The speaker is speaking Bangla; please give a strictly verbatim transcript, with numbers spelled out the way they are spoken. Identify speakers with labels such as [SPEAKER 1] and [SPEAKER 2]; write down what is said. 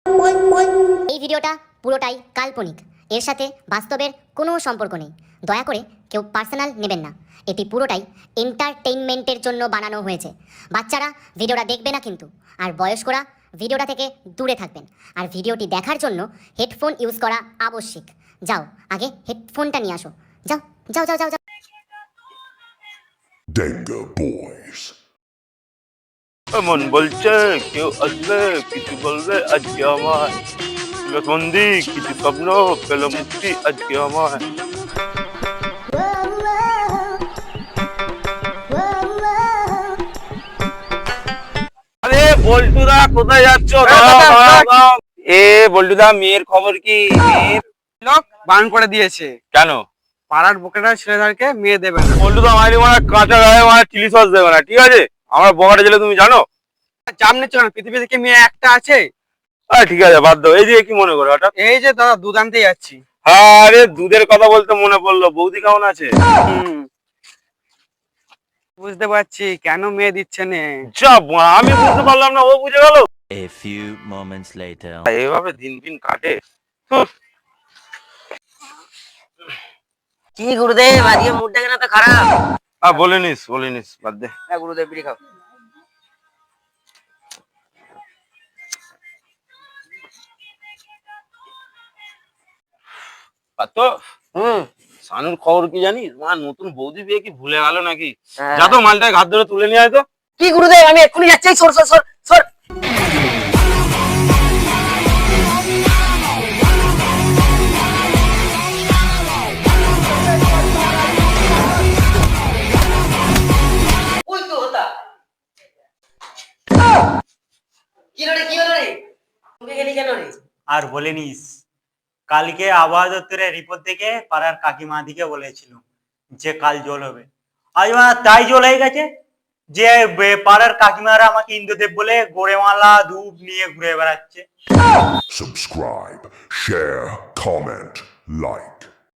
[SPEAKER 1] এই ভিডিওটা পুরোটাই কাল্পনিক, এর সাথে বাস্তবের কোনো সম্পর্ক নেই। দয়া করে কেউ পার্সোনাল নেবেন না। এটি পুরোটাই এন্টারটেইনমেন্টের জন্য বানানো হয়েছে। বাচ্চারা ভিডিওটা দেখবে না কিন্তু, আর বয়স্করা ভিডিওটা থেকে দূরে থাকবেন। আর ভিডিওটি দেখার জন্য হেডফোন ইউজ করা আবশ্যিক। যাও, আগে হেডফোনটা নিয়ে আসো। যাও যাও যাও যাও যাও।
[SPEAKER 2] Danga Boys.
[SPEAKER 3] মন বলছে কেউ আসবে কিছু বলবে আজকে আমার বন্দি কিছু স্বপ্ন পেল মুক্তি আজকে আমার। আরে বল্টুদা কোথায় যাচ্ছ? এ বল্টুদা, মেয়ের খবর কি? মেয়ের
[SPEAKER 4] লোক বান করে দিয়েছে,
[SPEAKER 3] কেন?
[SPEAKER 4] পাড়ার বকেটা ছেলেদেরকে মেয়ে দেবে না।
[SPEAKER 3] বল্টুদা মারি মারা কাঁচা গায়ে মারা চিলি সস দেবে না, ঠিক আছে? আমার বকাটা ছেলে তুমি জানো?
[SPEAKER 4] চাপ নিচ্ছ কেন? পৃথিবীতে কি মেয়ে একটা আছে?
[SPEAKER 3] আরে ঠিক আছে, বাদ দাও। এই যে কি মনে করো হঠাৎ?
[SPEAKER 4] এই যে দাদা দুধ আনতে যাচ্ছি।
[SPEAKER 3] আরে দুধের কথা বলতে মনে পড়লো, বৌদি কেমন আছে?
[SPEAKER 4] হুম, বুঝতে পারছি কেন মেয়ে দিচ্ছে নে।
[SPEAKER 3] যা বাড়া, আমি বুঝতে পারলাম না, ও বুঝে গেল।
[SPEAKER 5] A few moments later.
[SPEAKER 3] এইভাবে দিন দিন কাটে।
[SPEAKER 6] কি গুরুদেব, আজকে মুডটা কেন তো খারাপ?
[SPEAKER 3] আহ বলিনিস বলিনিস, বাদ দে।
[SPEAKER 6] হ্যাঁ গুরুদেব, বিড়ি খাও।
[SPEAKER 3] তো
[SPEAKER 6] হুম,
[SPEAKER 3] সানুর খবর কি জানিস? মা নতুন বৌদি বিয়ে কি ভুলে গেল নাকি?
[SPEAKER 6] হ্যাঁ।
[SPEAKER 3] যা তো মালটায় ঘাত ধরে তুলে নিয়ে আয় তো।
[SPEAKER 6] কি গুরুদেব, আমি এক্ষুনি যাচ্ছি। সর সর সর সর। উল্টো হতা। কি হলো রে, কি হলো রে? তুমি গেলি কেন রে?
[SPEAKER 7] আর বলেনিস, কালকে আবহাওয়া দপ্তরের রিপোর্ট দেখে পাড়ার কাকিমা দিকে বলেছিল যে কাল জল হবে। আজ মানে তাই জল হয়ে গেছে যে বে- পাড়ার কাকিমারা আমাকে ইন্দ্রদেব বলে গোড়েমালা ধূপ নিয়ে ঘুরে বেড়াচ্ছে।
[SPEAKER 2] Subscribe, share, comment, like.